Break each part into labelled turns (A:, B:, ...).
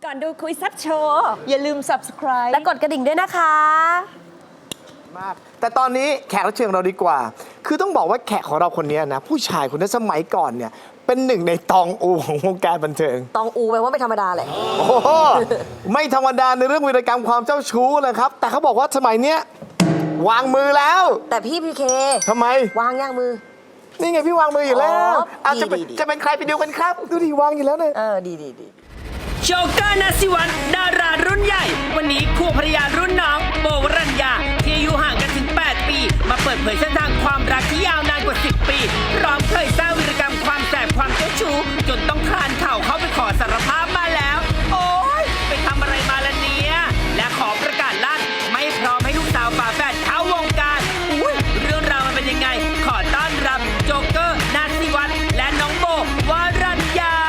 A: ก่อนดูคุยแซับโชว์อย่าลืม subscribe
B: และกดกระดิ่งด้วยนะคะ
C: มากแต่ตอนนี้แขกรับเชิญของเราดีกว่า คือต้องบอกว่าแขกของเราคนนี้นะผู้ชายคนนั้นสมัยก่อนเนี่ยเป็นหนึ่งในตองอูของวงการบันเทิง
B: ตองอูแปลว่าไม่ธรรมดาแหละ
C: โอ้โหไม่ธรรมดาในเรื่องวีรกรรมความเจ้าชู้เลยครับแต่เขาบอกว่าสมัยเนี้ยวางมือแล้ว
B: แต่พี่พีเค
C: ทำไม
B: วางย่างมือ
C: นี่ไงพี่วางมืออยู่แล้วจะเป็น
B: ดี
C: จะเป็นใครไปดูกันครับดูดิวางอยู่แล้วเนี่ย
B: ดี
A: โชเกอร์นาซิวัตดารารุ่นใหญ่ วันนี้คู่ภรรยารุ่นน้องโบวรัญญาที่อายุห่างกันถึง 8 ปี มาเปิดเผยเส้นทางความรักที่ยาวนานกว่า 10 ปีพร้อมเคยสร้างวีรกรรมความแสบความเจ้าชู้จนต้องคลานเข่าเข้าไปขอสารภาพมาแล้ว โอ๊ยไปทำอะไรมาล่ะเนี่ยและขอประกาศลั่นไม่พร้อมให้ลูกสาวฝาแฝดเข้าวงการอุ้ยเรื่องราวมันเป็นยังไงขอต้อนรับโจเกอร์นาซิวัตและน้องโบวรัญญา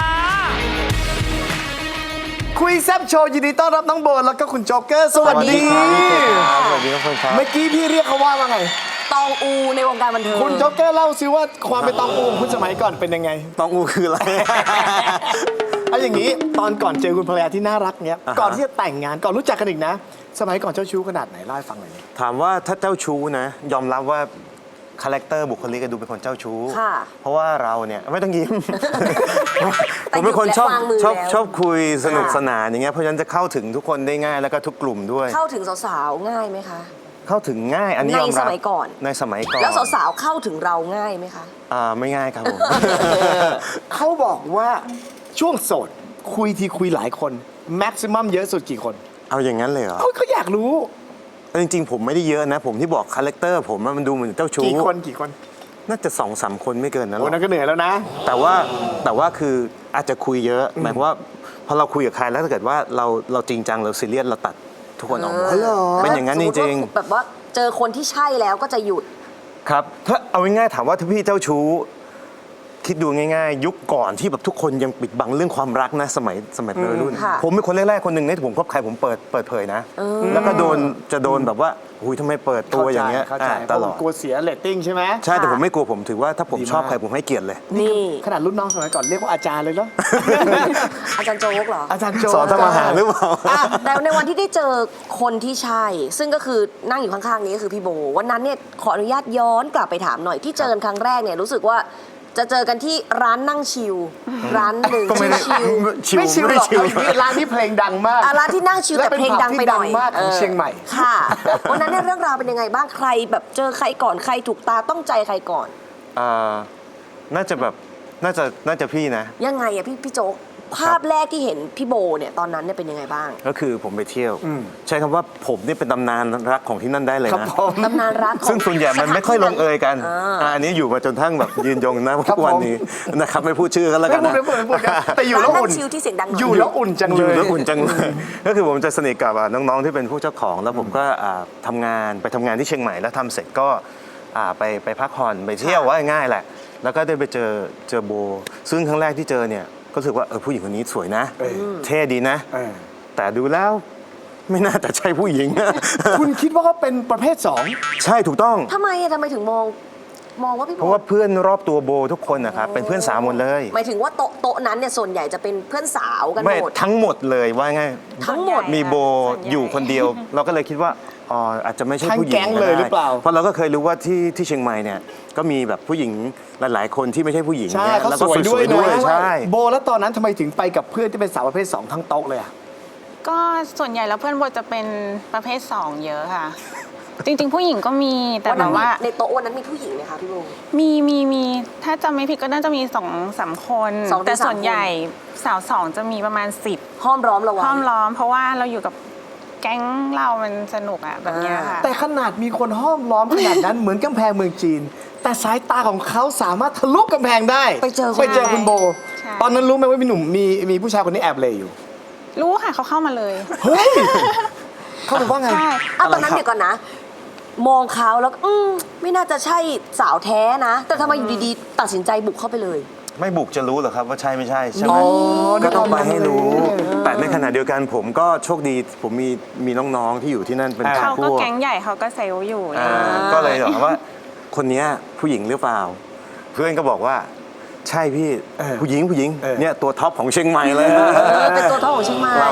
C: คุยแซบโชว์ยินดีต้อนรับน้องโบแล้วก็คุณโจ๊กเกอร์สวัสดี
D: สวัสดีครับคุณครับ
C: เมื่อกี้พี่เรียกเขาว่าไง
B: ตองอูในวงการบันเทิง
C: คุณโจ๊กเกอร์เล่าซิว่าความเป็นตองอูของคุณสมัยก่อนเป็นยังไง
D: ตองอูคืออะไร
C: เอาอย่างนี้ตอนก่อนเจอคุณภรรยาที่น่ารักเนี้ยก่อนที่จะแต่งงานก่อนรู้จักกันอีกนะสมัยก่อนเจ้าชู้ขนาดไหนเล่าให้ฟังหน่อย
D: ถามว่าถ้าเจ้าชู้นะยอมรับว่าคาแรคเตอร์บุคลิกดูเป็นคนเจ้าชู้เพราะว่าเราเนี่ยไม่ต้องยิ้ม ผมเป็นคนชอบคุยสนุกสนานอย่างเงี้ยเพราะฉะนั้นจะเข้าถึงทุกคนได้ง่ายแล้วก็ทุกกลุ่มด้วย
B: เข้าถึงสาวๆง่ายไหมคะ
D: เข้าถึงง่ายอันนี้ยอมรับ
B: ในสมัยก่อนแล้วสาวๆเข้าถึงเราง่ายไหมคะ
D: ไม่ง่ายครับผม
C: เขาบอกว่าช่วงโสดคุยหลายคนแม็กซิมัมเยอะสุดกี่คน
D: เอาอย่างนั้นเลยเหรอ
C: เขาอยากรู้
D: จริงๆผมไม่ได้เยอะนะผมที่บอกคาแรคเตอร์ผมมันดูเหมือนเจ้าชู้
C: กี่คน
D: น่าจะ2-3 คนไม่เกินนั้นหรอก
C: นั่นก็เหนื่อยแล้วนะ
D: แต่ว่าคืออาจจะคุยเยอะหมายความว่าพอเราคุยกับใครแล้วถ้าเกิดว่าเราจริงจังเราซีเรียสเราตัดทุกคนออกหมดเป็นอย่างนั้นจริง
B: ๆแบบว่าเจอคนที่ใช่แล้วก็จะหยุด
D: ครับถ้าเอาง่ายๆถามว่าถ้าพี่เจ้าชู้คิดดูง่ายๆยุคก่อนที่แบบทุกคนยังปิดบังเรื่องความรักนะสมัยวัยรุ่นผมเป็นคนแรกๆคนหนึ่งที่ผมคบใครผมเปิดเผยนะแล้วก็จะโดนแบบว่าหุยทำไมเปิดตัวอย่างเงี้ยตลอด
C: กลัวเสียเรตติ้งใช่ไหม
D: ใช่แต่ผมไม่กลัวผมถือว่าถ้าผมชอบใครผมให้เกียรติเลย
B: นี่
C: ขนาดรุ่นน้องสมัยก่อนเรียกว่าอาจารย์เลยเนาะ
B: อาจารย์โจ๊กเหรอ
C: อาจารย์โจ๊ก
D: สอนทำอาหารหรือเปล่า
B: แต่ในวันที่ได้เจอคนที่ใช่ซึ่งก็คือนั่งอยู่ข้างๆนี้ก็คือพี่โบวันนั้นเนี่ยขออนุญาตย้อนกลับไปถามหน่อยที่เจอกันครั้งแรกเนี่ยรู้สึกว่าจะเจอกันที่ร้านนั่งชิลร้านหนึ่งชิล
C: ไม่ชิลหรอกร้านที่เพลงดังมาก
B: ร้านที่นั่งชิลแต่เพลงดังไปหน่อย
C: มากของเชียงใหม่
B: ค่ะวันนั้นเนี่ยเรื่องราวเป็นยังไงบ้างใครแบบเจอใครก่อนใครถูกตาต้องใจใครก่อน
D: น่าจะพี่นะ
B: ยังไงอะพี่โจ๊กภาพแรกที่เห็นพี่โบเนี่ยตอนนั้นเนี่ยเป็นยังไงบ้าง
D: ก็คือผมไปเที่ยวใช้คำว่าผมนี่เป็นตำนานรักของที่นั่นได้เลยนะ
B: ตำนานรัก
D: ซึ่งส่วนใหญ่มันไม่ค่อยลงเอยกันอันนี้อยู่มาจนทั้งแบบยืนยงนะทุกวันนี้นะครับไม่พูดชื่อกันแล้วกันนะ
C: แต่อยู่แล้วอุ่น
B: อยู่
C: แล้วอุ่นจังเลย
D: ก็คือผมจะสนิทกับน้องๆที่เป็นผู้เจ้าของแล้วผมก็ทำงานที่เชียงใหม่แล้วทำเสร็จก็ไปพักผ่อนไปเที่ยวว่าง่ายแหละแล้วก็ได้ไปเจอโบซึ่งครั้งแรกที่เจอเนี่ยก็รู้สึกว่าผู้หญิงคนนี้สวยนะเท่ดีนะแต่ดูแล้วไม่น่าจะใช่ผู้หญิง
C: คุณคิดว่าเขาเป็นประเภท2
D: ใช่ถูกต้อง
B: ทำไมถึงมองว่าพี่โบ
D: เพราะว่าเพื่อนรอบตัวโบทุกคนนะครับเป็นเพื่อนสาวหมดเลย
B: หมายถึงว่าโต๊ะนั้นเนี่ยส่วนใหญ่จะเป็นเพื่อนสาวกันหมด
D: ทั้งหมดเลยว่าไง
B: ทั้งหมด
D: มีโบอยู่คนเดียวเราก็เลยคิดว่าอาจจะไม่ใช่ผู้หญิง
C: เลยหรือเปล่า
D: เพราะเราก็เคยรู้ว่าที่เชียงใหม่เนี่ยก็มีแบบผู้หญิงหลายๆคนที่ไม่ใช่ผู้หญิง
C: ใช่เขาสวยด้วยใช่โบแล้วตอนนั้นทำไมถึงไปกับเพื่อนที่เป็นสาวประเภท2ทั้งโต๊ะเลยอ่ะ
E: ก็ส่วนใหญ่แล้วเพื่อนโบจะเป็นประเภท2เยอะค่ะจริงๆผู้หญิงก็มีแต่แบบว่า
B: ในโต๊ะวันนั้นมีผู้หญิงไหมคะพี่โบ
E: มีถ้าจำไม่ผิดก็น่าจะมี2-3 คนแต่ส่วนใหญ่สาว2จะมีประมาณ10
B: ห้อมล้อมเรา
E: ห้อมล้อมเพราะว่าเราอยู่กับแก๊งเรามันสนุกอะแบบนี้ค่ะ
C: แต่ขนาดมีคนห้อมล้อมขนาดนั้นเหมือนกำแพงเมืองจีนแต่สายตาของเขาสามารถทะลุกำแพงได้
B: ไปเจอ
C: คุณโบตอนนั้นรู้ไหมว่ามีหนุ่มมีผู้ชายคนนี้แอบเลยอยู่
E: รู้ค่ะเขาเข้ามาเลย
C: เฮ้ยเขาบอกว่าไง
B: ตอนนั้นเดี๋ยวก่อนนะมองเขาแล้วไม่น่าจะใช่สาวแท้นะแต่ทำไมอยู่ดีๆตัดสินใจบุกเข้าไปเลย
D: ไม่บุกจะรู้เหรอครับว่าใช่ไม่ใช่ใช่ไหมก็ต้องไปให้รู้แต่ในขณะเดียวกันผมก็โชคดีผมมีน้องๆที่อยู่ที่นั่นเป็น
E: เขาก็แก๊งใหญ่เขาก็เซลล์อยู่
D: ก็เลยบอกว่าคนนี้ผู้หญิงหรือเปล่าเพื่อนก็บอกว่าใช่พี่ผู้หญิงเนี่ยตัวท็อปของเชียงใหม่เลย
B: เป็นตัวท็อปของเชียงใหม่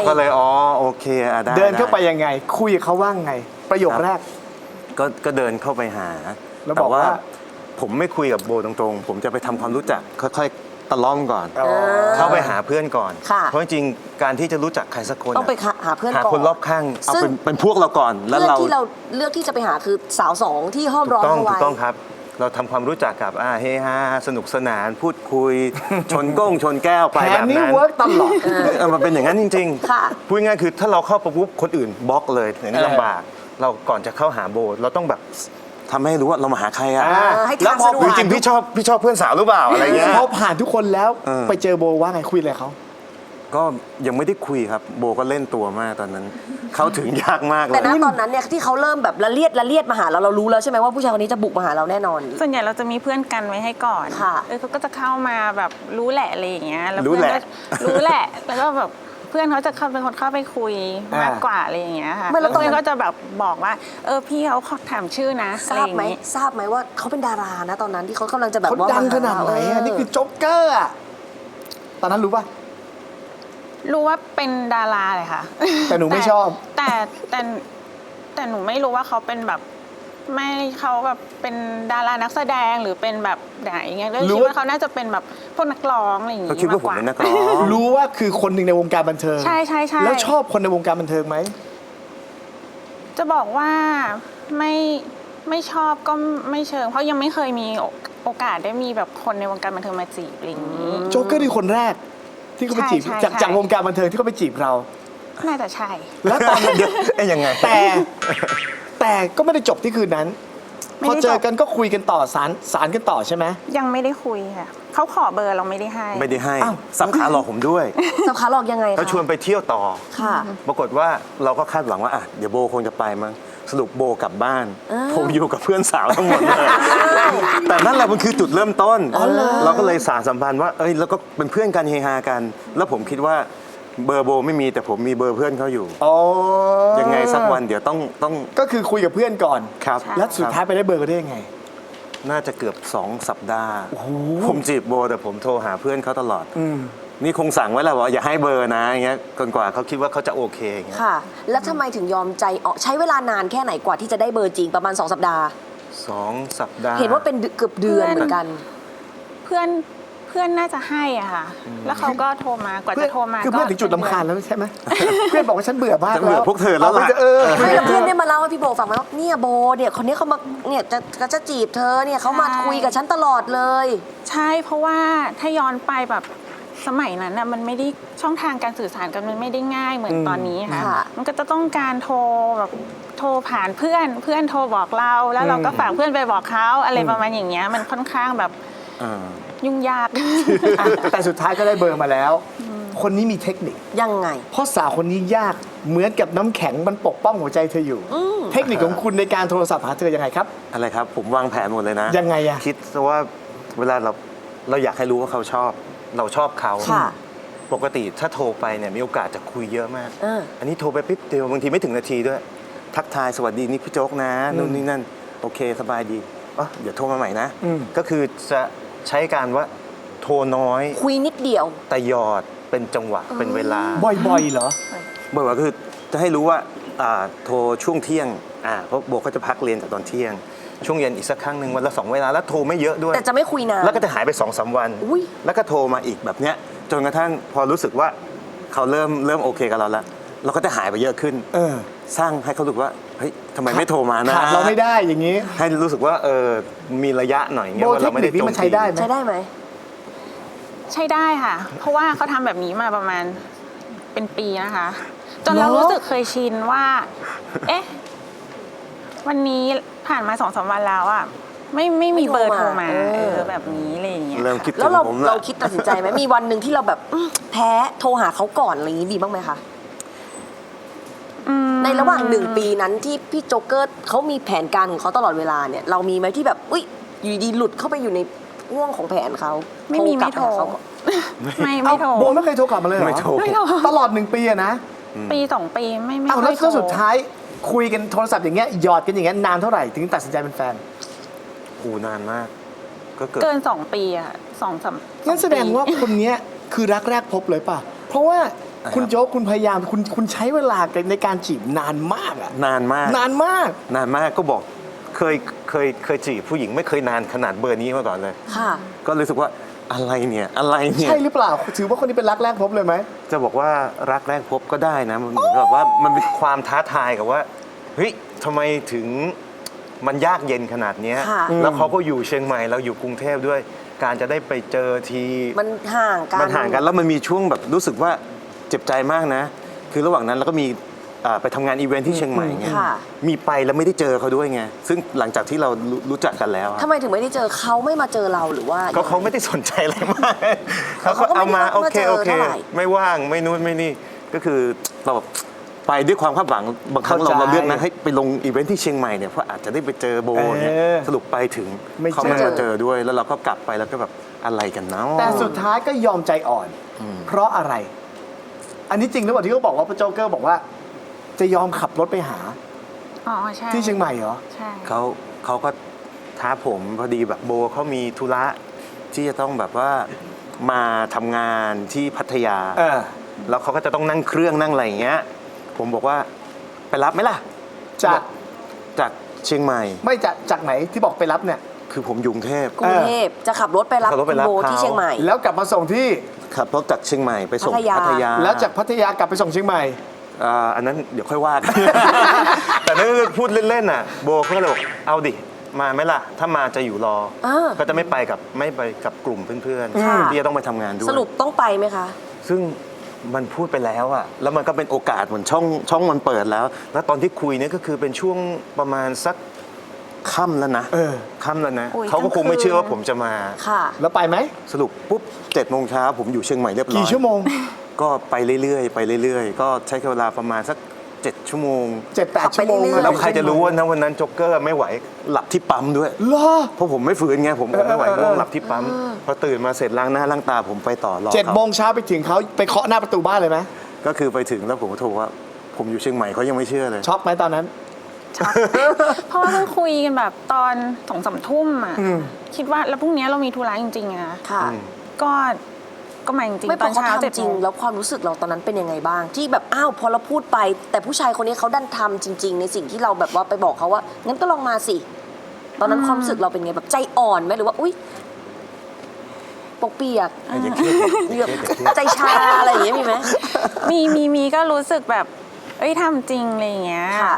D: ก็เลยอ๋อโอเคได้
C: เดินเข้าไป
D: ด้
C: ยังไง คุยกับเขาว่าไง ประโยคแรก
D: ก็เดินเข้าไปหา
C: แล้ว
D: แต่
C: บอกว่า
D: ผมไม่คุยกับโบตรงๆ ผมจะไปทำความรู้จักค่อยๆตะล่อมก่อน
C: อ๋อ
D: เข้าไปหาเพื่อนก่อน
B: ค่ะ
D: เพราะจริงๆการที่จะรู้จักใครสักคน
B: ต้องไปหาเพื่อน
D: หา
B: ก่อน
D: คนรอบข้างเอา
B: ซึ่ง
D: เป็นพวกเราก่อนแล้ว
B: เพื่อน
D: เรา
B: ที่เราเลือกที่จะไปหาคือสาวสองที่ห้อมร้อน
D: ต้อง
B: เอา
D: ถู
B: ไว้
D: กต้องครับ เราทำความรู้จักกับเฮฮาสนุกสนานพูดคุย ชนก้งชนแก้วไป
C: แผ
D: แบ
C: น
D: บ
C: นี้
D: นั้น
C: เวิร์กตลอด
D: มันเป็นอย่างนั้นจริง
B: ค่ะ
D: พูดง่ายๆคือถ้าเราเข้าไปปุ๊บคนอื่นบล็อกเลยอย่างนี้ลำบาก เราก่อนจะเข้าหาโบเราต้องแบบทำให้รู้ว่าเรามาหาใครอะ
B: ให้
C: แล้ว
B: ทาง
C: พอ
B: สะดวก
D: จริงๆพี่ชอบเพื่อนสาวหรือเปล่าอะไรเงี้ย
C: พอผ่านทุกคนแล้ว
D: เออ
C: ไปเจอโบว่าไงคุยอะไรเขา
D: ก็ยังไม่ได้คุยครับ โบก็เล่นตัวมากตอนนั้น เข้าถึงยากมากเล
B: แต่
D: ย
B: ณตอนนั้นเนี่ยที่เขาเริ่มแบบละเลียดมาหาเรารู้แล้วใช่ไหมว่าผู้ชายคนนี้จะบุกมาหาเราแน่นอน
E: ส่วนใหญ่เราจะมีเพื่อนกันไว้ให้ก่อน
B: ค่ะ
E: เขาก็จะเข้ามาแบบรู้แหละอะไรอย่างเงี้ยแล้ว
D: รู้
E: เพื่อน
D: แห
E: ก็
D: ละ
E: รู้แหละ แล้วก็แบบเพื่อนเขาจะเข้าเป็นคนเข้าไปคุย
C: อ่าม
E: มากกว่าอะไรอย่างเงี้ยค่ะ
B: ไม่แล้
E: แล้ว ว
B: ตอนนั้น
E: เพื่อนก็จะแบบบอกว่าพี่เขาขอถามชื่อนะ
B: ท
E: อะไร
B: รา
E: อบ ย่าง
B: ไหม
E: งี้
B: ทราบไหมว่าเขาเป็นดารานะตอนนั้นที่เขากำลังจะแบบ
C: เขา
B: ว่า
C: ดังขนาดไหนอะนี่คือโจ๊กเกอร์อะตอนนั้นรู้ป่ะ
E: รู้ว่าเป็นดาราเลยค่ะ
C: แต่หนูไม่ชอบ
E: แต่หนูไม่รู้ว่าเขาเป็นแบบไม่เขาแบบเป็นดารานักแสดงหรือเป็นแบบไหนเงี้ยก็
C: รู้
E: คิด
C: ว่า
E: ว่าเขาน่าจะเป็นแบบพวกนักร้องอะไรอย่าง
D: เขา
E: งี้
D: คิดว่าผม
E: มากกว่า
D: เป็นนักร้อง
C: รู้ว่าคือคนหนึ่งในวงการบันเทิง
E: ใช่ใช่ใช่
C: แล้วชอบคนในวงการบันเทิงไหม
E: จะบอกว่าไม่ชอบก็ไม่เชิง เพราะยังไม่เคยมีโอกาสได้มีแบบคนในวงการบันเทิงมาจีบอะไรอย่างนี้
C: โจ๊กเกอร์คือคนแรก ที่เขาไปจีบ
E: ใช่
C: จากวงการบันเทิงที่เขาไปจีบเรา
E: น่าจะใช่
C: แล้วตอนนั้น
D: ยังไง
C: แต่ก็ไม่ได้จบที่คืนนั้น
E: ไม่
C: พอ
E: ได้จบ
C: เจอกันก็คุยกันต่อสารกันต่อใช่ไหม
E: ยังไม่ได้คุยค่ะเขาขอเบอร์เราไม่ได้ให้
D: ไม่ได้ให้
C: อ้าว
D: สับขาหลอกผมด้วย
B: สับขาหลอกยังไงคะ
D: เขาชวนไปเที่ยวต่อ
B: ค่ะ
D: ปรากฏว่าเราก็คาดหวังว่าเดี๋ยวโบคงจะไปมั้งสรุปโบกลับบ้าน
B: อ้าว
D: ผมอยู่กับเพื่อนสาวทั้งหมดเลยแต่นั่นแหละมันคือจุดเริ่มต้น เราก็เลยสานสัมพันธ์ว่าแล้วก็เป็นเพื่อนกันเฮฮากัน แล้วผมคิดว่าเบอร์โบไม่มีแต่ผมมีเบอร์เพื่อนเขาอยู่
C: อ๋อ
D: ยังไงสักวันเดี๋ยวต้อง
C: ก็คือคุยกับเพื่อนก่อน
D: ครับ
C: แล้วสุดท้ายไปได้เบอร์กันได้ยังไง
D: น่าจะเกือบ2 สัปดาห์ผมจีบโบแต่ผมโทรหาเพื่อนเขาตลอด นี่คงสั่งไว้แล้วว่าอย่าให้เบอร์นะอย่างเงี้ยจนกว่าเขาคิดว่าเขาจะโอเคอย่างเงี้ย
B: ค่ะ แล้วทำไมถึงยอมใจออกใช้เวลานานแค่ไหนกว่าที่จะได้เบอร์จริงประมาณ 2 สัปดาห์
D: 2 สัปดาห์
B: เห็นว่าเป็นเกือบเดือนเหมือนกัน
E: เพื่อนน่าจะให้อ่ะค่ะ แล้วเขาก็โทรมากว่าจะโทรมา
C: คือเพื่อนถึงจุดลำคาญแล้วใช่ไหม เพื่อนบอกว่าฉันเบื่อมาก
D: ฉันเบื่
C: แล้
D: อ
C: ว
D: พวกเธอแล้วล่ะ
B: ไม่แล้วเพื่อนได้มาเล่าให้พี่โบฟังไหมว่าเนี่ยโบเนี่ยคนนี้เขามาเนี่ยจะจีบเธอเนี่ยเขามาคุยกับฉันตลอดเลย
E: ใช่เพราะว่าถ้าย้อนไปแบบสมัยนั้นน่ะมันไม่ได้ช่องทางการสื่อสารกันมันไม่ได้ง่ายเหมือนตอนนี้ค่ะ
B: ค่ะ
E: มันก็จะต้องการโทรแบบโทรผ่านเพื่อนโทรบอกเราแล้วเราก็ฝากเพื่อนไปบอกเขาอะไรประมาณอย่างเงี้ยมันค่อนข้างแบบ
D: อ่า
E: ยุ่งยาก
C: อ่ะแต่สุดท้ายก็ได้เบอร์มาแล้ว คนนี้มีเทคนิค
B: ยังไง
C: เพราะสาวคนนี้ยากเหมือนกับน้ำแข็งมันปกป้องหัวใจเธออยู่ เทคนิคของคุณในการโทรศัพท์หาเธอยังไงครับ
D: อะไรครับ ผมวางแผนหมดเลยนะ
C: ยังไงอะ
D: คิดซะว่าเวลาเราอยากให้รู้ว่าเขาชอบ เราชอบเขา
B: ค่ะ
D: ปกติถ้าโทรไปเนี่ยมีโอกาสจะคุยเยอะมาก
B: เออ
D: อันนี้โทรไปปิ๊บเดียวบางทีไม่ถึงนาทีด้วย ทักทายสวัสดีนี่พี่โจ๊กนะนู่นนี่นั่นโอเคสบายดีเดี๋ยวโทรมาใหม่นะ ก็คือจะใช้การว่าโทรน้อย
B: คุยนิดเดียว
D: แต่หยอดเป็นจังหวะเป็นเวลา
C: บ่อยๆเหรอ
D: บอกว่าคือจะให้รู้ว่าโทรช่วงเที่ยงเพราะโบก็จะพักเรียนจากตอนเที่ยง ช่วงเย็นอีกสักครั้งหนึ่งวันละ2 เวลาแล้วโทรไม่เยอะด้วย
B: แต่จะไม่คุยนาน
D: แล้วก็จะหายไป2-3 วัน
B: อุ๊ย
D: แล้วก็โทรมาอีกแบบเนี้ยจนกระทั่งพอรู้สึกว่าเขาเริ่มโอเคกับเราแล้วเราก็จะหายไปเยอะขึ้น
C: เออ
D: สร้างให้เขารู้สึกว่าเฮ้ยทำไมไม่โทรมานะ
C: ขาดเราไม่ได้อย่างนี้
D: ให้รู้สึกว่ามีระยะหน่อยเงี้
C: โบ
D: ยว่า
C: เท
D: เรา
C: ค
D: ไม่
C: นิ
D: ได้
C: คนี้มันใช้ได้ไหม
B: ใช้ได้ไหม
E: ใช่ได้ค่ะ เพราะว่าเขาทำแบบนี้มาประมาณเป็นปีนะคะ จนเรารู้สึกเคยชินว่า เอ๊ะ วันนี้ผ่านมา2-3 วันแล้วอ่ะไม่มีเบอร์โทรมา แบบนี้อะไรอย่างเงี้ย
D: เริ่ม
E: ค่ะ
D: คิดถึ
B: แล้ว
D: ง
B: เรา
D: ผม
B: เรา
D: ละ
B: คิดตัดสินใจไหมมีวันหนึ่งที่เราแบบแพ้โทรหาเขาก่อนอะไรอย่างนี้มีบ้างไหมคะ ในระหว่าง1 ปีนั้นที่พี่โจ๊กเกอร์เขามีแผนการของเขาตลอดเวลาเนี่ยเรามีไหมที่แบบอุ้ยอยู่ดีหลุดเข้าไปอยู่ในห่วงของแผนเขา
E: ไม่มีไม่โทร
B: กลับปหาเขาก่อน
E: ไม่โทร
C: โบไม่เคยโทรกลับมาเลยเหรอ
D: ไม่โทร
E: ไม่โทร
C: ตลอด1 ปีอะนะ
E: ปี 2 ปีไม่
C: อ้าว
E: ค่
C: แล้
E: อ
C: วย
E: โทร
C: สุดท้ายคุยกันโทรศัพท์อย่างเงี้ยหยอดกันอย่างเงี้ยนานเท่าไหร่ถึงตัดสินใจเป็นแฟน
D: นานมาก ก็เกิด
E: เกิน 2 ปีอะ2-3
C: งั้นแสดงว่าคนเนี้ยคือรักแรกพบเลยป่ะ เพราะว่าคุณโจ๊กคุณพยายามคุณใช้เวลาในการจีบนานมากอะ
D: นานมาก
C: นานมาก
D: นานมากก็บอกเคยจีบผู้หญิงไม่เคยนานขนาดเบอร์นี้มาก่อนเลย
B: ค่ะ
D: ก็รู้สึกว่าอะไรเนี่ยอะไรเนี่ย
C: ใช่หรือเปล่า ถือว่าคนนี้เป็นรักแรกพบเลยไหม
D: จะบอกว่ารักแรกพบก็ได้นะมันเหมือนแบบว่ามันเป็นความท้าทายกับว่าเฮ้ยทำไมถึงมันยากเย็นขนาดเนี้ย
B: ค่ะ
D: แล้วเขาก็อยู่เชียงใหม่เราอยู่กรุงเทพด้วย การจะได้ไปเจอที
B: มันห่างกัน
D: มันห่างกันแล้วมันมีช่วงแบบรู้สึกว่าเจ็บใจมากนะ คือระหว่างนั้นเราก็มีไปทำงานอีเวนท์ที่เชียงใหม่ไง
B: ค่ะ
D: มีไปแล้วไม่ได้เจอเขาด้วยไงซึ่งหลังจากที่เรารู้จักกันแล้วอะ
B: ทำไมถึงไม่ได้เจอเขาไม่มาเจอเราหรือว่า
D: ก็เขาไม่ได้สนใจอะไรมาก
B: เขาก็ไม่ได้
D: เอามา
B: มา
D: โอเค
B: เจอ
D: โอเค
B: เท่าไหร่
D: ไม่ว่างไม่นู้นไม่นี่ก็คือเราแบบไปด้วยความคาดหวังบางครั้ง
C: เข้าใจ
D: เราเลือกนะให้ไปลงอีเวนท์ที่เชียงใหม่เนี่ยเพราะอาจจะได้ไปเจอโบเนี่ย สรุปไปถึง
C: ไม่เจอ
D: เขาไม่มาเจอด้วย แล้วเราก็กลับไปแล้วก็แบบอะไรกันเนาะ
C: แต่สุดท้ายก็ยอมใจอ่อน เพราะอะไร อันนี้จริงหรือเปล่าที่เขาบอกว่าพระโจ๊กเกอร์บอกว่า จะยอมขับรถไปหา
E: อ๋อใช่
C: ที่เชียงใหม่เหรอ
E: ใช่
D: เขาก็ท้าผมพอดีแบบโบเขามีธุระที่จะต้องแบบว่ามาทำงานที่พัทยา
C: เออ
D: แล้วเขาก็จะต้องนั่งเครื่องนั่งอะไรอย่างเงี้ย ผมบอกว่าไปรับไหมล่ะ
C: จาก
D: จากเชียงใหม่
C: ไม่จากไหนที่บอกไปรับเนี่ย
D: คือผมอยู่กรุงเทพ
B: กรุงเทพจะขับรถไปรับ
D: ขับรถไป
B: คุณ
D: รับ
B: โบ
D: เขา
B: ที่เชียงใหม่
C: แล้วกลับมาส่งที่
D: ขับรถจากเชียงใหม่ไปส่ง
B: พัทยา
D: พัทยา
C: แล้วจากพัทยากลับไปส่งเชียงใหม่
D: อันนั้นเดี๋ยวค่อยว่ากัน แต่นั่นคือพูดเล่นๆน่ะ โบเขาก็เลยบอกเอาดิมาไหมล่ะ ถ้ามาจะอยู่รอ ก็จะไม่ไปกับกลุ่มเพื่อน
B: ค่ะ
D: ๆที่จะต้องไปทำงานด้วย
B: สรุปต้องไปไหมคะ
D: ซึ่งมันพูดไปแล้วอะแล้วมันก็เป็นโอกาสเหมือนช่องมันเปิดแล้ว แล้วตอนที่คุยเนี่ยก็คือเป็นช่วงประมาณสักค่ำแล้วนะ
C: เออ
D: ค่ำแล้วนะ
E: โอ้ย
D: เขาก็คงไม่เชื่อว่าผมจะมา
B: ค่ะ
C: แล้วไปไหม
D: สรุปปุ๊บ7 โมงเช้าผมอยู่เชียงใหม่เรียบร้อย
C: กี่ชั่วโมง
D: ก็ไปเรื่อยๆไปเรื่อยๆ ก็ใช้เวลาประมาณสัก7 ชั่วโมง
C: 7-8 ชั่วโมง
B: ขับไปเรื่อยๆ
D: แล้วใครจะรู้ว่านะวันนั้นโจ๊กเกอร์ไม่ไหวหลับที่ปั๊มด้วย
C: เหรอ
D: เพราะผมไม่ฝืนไงผมไม่ไหวง่วงหลับที่ปั๊มพอตื่นมาเสร็จล้างหน้าล้างตาผมไปต่อรอ
C: 7 โมงเช้าไปถึงเขาไปเคาะหน้าประตูบ้านเลยไหม
D: ก็คือไปถึงแล้วผมก็โทรว่า ผมอยู่เชียงใหม่เขายังไม่เชื่อเลย
C: ช็อกไหมตอนนั้น
E: เพราะว่าเพิ่งคุยกันแบบตอน2-3 ทุ่มอ่ะคิดว่าแล้วพรุ่งนี้เรามีธุระจริงๆอะนะ
B: ค่ะ
E: ก็มาจริง
B: ไม่
E: ๆ
B: พ
E: ต
B: อ
E: อน
B: เขา
E: เช้า7
B: ทำจริ
E: โม
B: ง
E: ง
B: แล้วความรู้สึกเราตอนนั้นเป็นยังไงบ้าง ที่แบบอ้าวพอเราพูดไป แต่ผู้ชายคนนี้เขาดันทำจริง ๆ ในสิ่งที่เราแบบว่าไปบอกเขาว่างั้นก็ลองมาสิ ตอนนั้นความรู้สึกเราเป็นไงแบบใจอ่อนไหมหรือว่าอุ้ยปกเปียก
D: อย่าเครียด
B: แบบใจชาอะไรอย่างเงี้ยมีไหม
E: มีก็รู้สึกแบบเอ้ยทำจริงอะไรอย่างเงี้ย
B: ค่ะ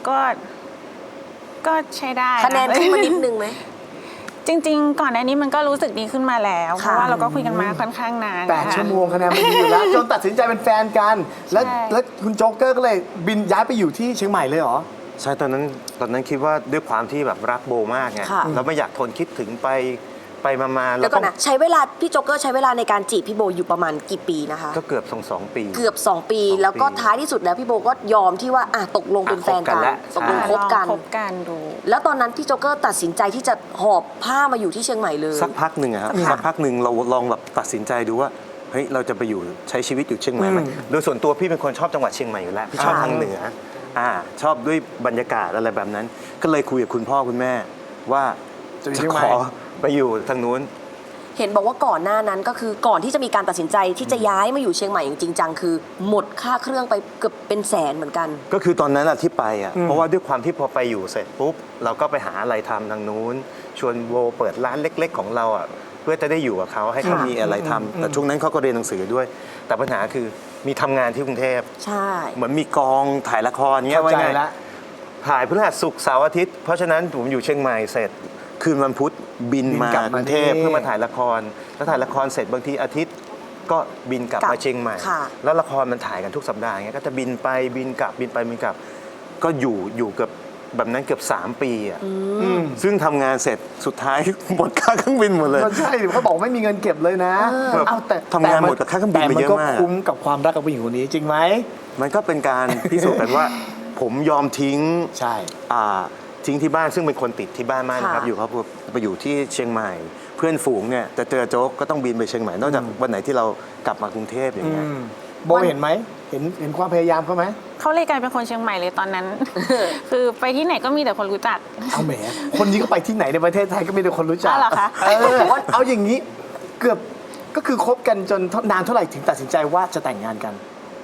E: ก็ใช้ได้
B: คะแนนขึ้นมานิดนึงไหม
E: จริง ๆ ก่อนหน้านี้มันก็รู้สึกดีขึ้นมาแล้ว เพ
B: ค่ะ
E: ราะว่าเราก็คุยกันมาค่อนข้างนาน
C: 8 ชั่วโมงคะแนนไม่ดีอยู่แล้ว จนตัดสินใจเป็นแฟนกัน แล้ว
E: ใช่
C: แล้วคุณโจ๊กเกอร์ก็เลยบินย้ายไปอยู่ที่เชียงใหม่เลยเหรอ
D: ใช่ตอนนั้นคิดว่าด้วยความที่แบบรักโบมากไง
B: ค่ะ
D: แล้วไม่อยากทนคิดถึงไปมา
B: แล้
D: แล้ว ว
B: ก็
D: ต้อง
B: นะใช้เวลาพี่โจ๊กเกอร์ใช้เวลาในการจีบพี่โบอยู่ประมาณกี่ปีนะคะ
D: ก็เกือบ2 ปี
B: เกือบ 2 ปี
D: 2 ปี
B: แล้วก็ท้ายที่สุดแล้วพี่โบก็ยอมที่ว่าตกลงเป็นแฟนกัน
D: อ่ะ
B: ตกลงคบกัน
E: คบกันดู
B: แล้วตอนนั้นพี่โจ๊กเกอร์ตัดสินใจที่จะหอบผ้ามาอยู่ที่เชียงใหม่เลย
D: สักพักหนึ่งอะครับ
B: ค่ะ
D: สักพักหนึ่งเราลองแบบตัดสินใจดูว่าเฮ้ยเราจะไปอยู่ใช้ชีวิตอยู่เชียงใหม่ไหมโดยส่วนตัวพี่เป็นคนชอบจังหวัดเชียงใหม่อยู่แล้วพี่ชอบทางเหนือชอบด้วยบรรยากาศอะไรแบบนั้น ก็เลยคุยกับคุณพ่อคุณแม่ว่า
C: จะอยู่
D: จะ
C: เชียง
D: ข
C: ใหม่
D: อไปอยู่ทางนู้น
B: เห็นบอกว่าก่อนหน้านั้นก็คือก่อนที่จะมีการตัดสินใจที่จะย้ายมาอยู่เชียงใหม่อย่างจริงจังคือ หมดค่าเครื่องไปเกือบเป็นแสนเหมือนกัน
D: ก็คือตอนนั้นอะที่ไปอะเพราะว่าด้วยความที่พอไปอยู่เสร็จปุ๊บเราก็ไปหาอะไรทำทางนู้น ชวนโบเปิดร้านเล็ก ๆ ของเราอะเพื่อจะได้อยู่กับเขาให้เขามีอะไรทำแต่ช่วงนั้นเขาก็เรียนหนังสือด้วย แต่ปัญหาคือมีทำงานที่กรุงเทพ
B: ใช่
D: เหมือนมีกองถ่ายละครเงี้ย
C: เข้าใจ
D: ไง
C: ละ
D: ถ่ายพฤหัสศุกร์เสาร์อาทิตย์เพราะฉะนั้นผมอยู่เชียงใหม่เสร็จคืนวันพุธบิน
C: บิน
D: มาก
C: ลับมาก
D: รุงเทพ
C: นี่
D: เพื่อมาถ่ายละครแล้วถ่ายละครเสร็จบางทีอาทิตย์ก็บินกลับมาเชียงใหม่
B: ค่ะ
D: แล้วละครมันถ่ายกันทุกสัปดาห์เงี้ยก็จะบินไปบินกลับบินไปบินกลับ ก็อยู่เกือบแบบนั้นเกือบ3 ปีอ่ะซึ่งทำงานเสร็จสุดท้าย หมดค่าเครื่องบินหมดเลย
C: ก็ใช่เขาบอกไม่มีเงินเก็บเลยนะ เอาแต่
D: ทำงานหมดกับค่าเครื่องบินไปเยอะมาก
C: แต่มันก็คุ้มกับความรักกับผู้หญิงคนนี้จริงไหม
D: มันก็เป็นการพิสูจน์กันว่า ผมยอมทิ้ง
C: ใช่
D: ทิ้งที่บ้านซึ่งเป็นคนติดที่บ้านมากนะครับ
B: ค่ะ
D: อยู่ครับไปอยู่ที่เชียงใหม่ เพื่อนฝูงเนี่ยจะเจอโจ๊กก็ต้องบินไปเชียงใหม่นอกจากวันไหนที่เรากลับมากรุงเทพอย่างเงี้ย
C: โบเห็นไหมเห็นความพยายามเขาไหม
E: เขาเลยกลายเป็นคนเชียงใหม่เลยตอนนั้น คือไปที่ไหนก็มีแต่คนรู้จัก
C: เอาแหมคนนี้ก็ไปที่ไหนในประเทศไทยก็มีแต่คนรู้จัก
E: อ้าวเหรอคะ
C: เอาอย่างนี้เกือบก็คือคบกันจนนานเท่าไหร่ถึงตัดสินใจว่าจะแต่งงานกัน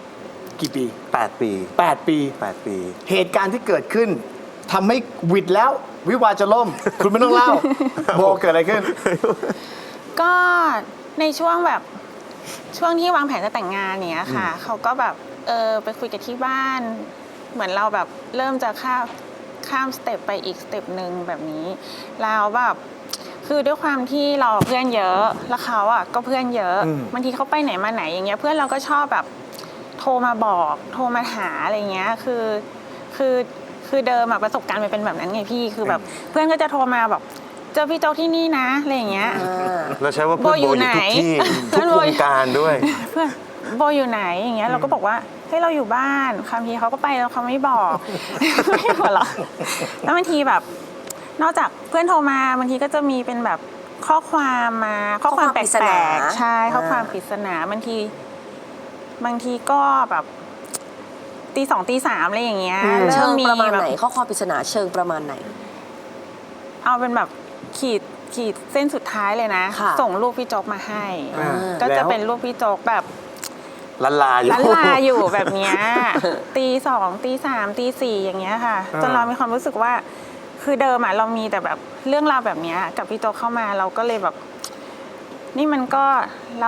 C: กี่ปี
D: 8 ปี
C: 8 ปี
D: 8 ปี
C: เหตุการณ์ที่เกิดขึ้นทำให้หวิดแล้ว วิวาห์จะล่ม คุณไม่ต้องเล่า โบเกิดอะไรขึ้น
E: ก็ในช่วงแบบช่วงที่วางแผนจะแต่งงานเนี้ยค่ะเขาก็แบบไปคุยกันที่บ้าน เหมือนเราแบบเริ่มจะข้ามสเต็ปไปอีกสเต็ปหนึ่งแบบนี้แล้วแบบคือด้วยความที่เราเพื่อนเยอะแล้วเขาอ่ะก็เพื่อนเยอะบางทีเขาไปไหนมาไหนอย่างเงี้ยเพื่อนเราก็ชอบแบบโทรมาบอกโทรมาหาอะไรเงี้ยคือเดิมอะประสบการณ์มันเป็นแบบนั้นไงพี่คือแบบเพื่อนก็จะโทรมาแบบเจอพี่โจ๊กที่นี่นะอะไรอย่างเงี้ย
D: เราใช้ว่าเพื่อนโบอยู่ทุกที่
E: เพื่
D: ทุ
E: อน
D: ก
E: โบ
D: วงการด้วย
E: เพื่อนโบอยู่ไหนอย่างเงี้ยเราก็บอกว่าให้เราอยู่บ้านคำทีเขาก็ไปแล้วเขาไม่บอก ไม่หัวเราะแล้วบางทีแบบนอกจากเพื่อนโทรมาบางทีก็จะมีเป็นแบบข้อความมาข้อความแป
B: ข้อความปริศนา
E: ลกๆใช่ข้อความปริศนาบางทีก็แบบตี 2ตี 3อะไรอย่างเงี้ย
B: เชิ
E: เริ่ม
B: ง
E: มี
B: ประมาณ
E: แบบ
B: ไหนข้อความปริศนาเชิงประมาณไหน
E: เอาเป็นแบบขีดเส้นสุดท้ายเลยนะ
B: ค่ะ
E: ส่งรูปพี่โจ๊กมาให้
C: อ่า
E: ก็
C: แล้
E: จะ
C: ว
E: เป็นรูปพี่โจ๊กแบบ
D: ลันลาอยู่
E: ล้านลาอยู่แบบเนี้ย ตี 2ตี 3ตี 4อย่างเงี้ยค่ะ จนเรามีความรู้สึกว่า คือเดิมอะเรามีแต่แบบเรื่องราวแบบเนี้ยกับพี่โจ๊กเข้ามาเราก็เลยแบบ นี่มันก็เรา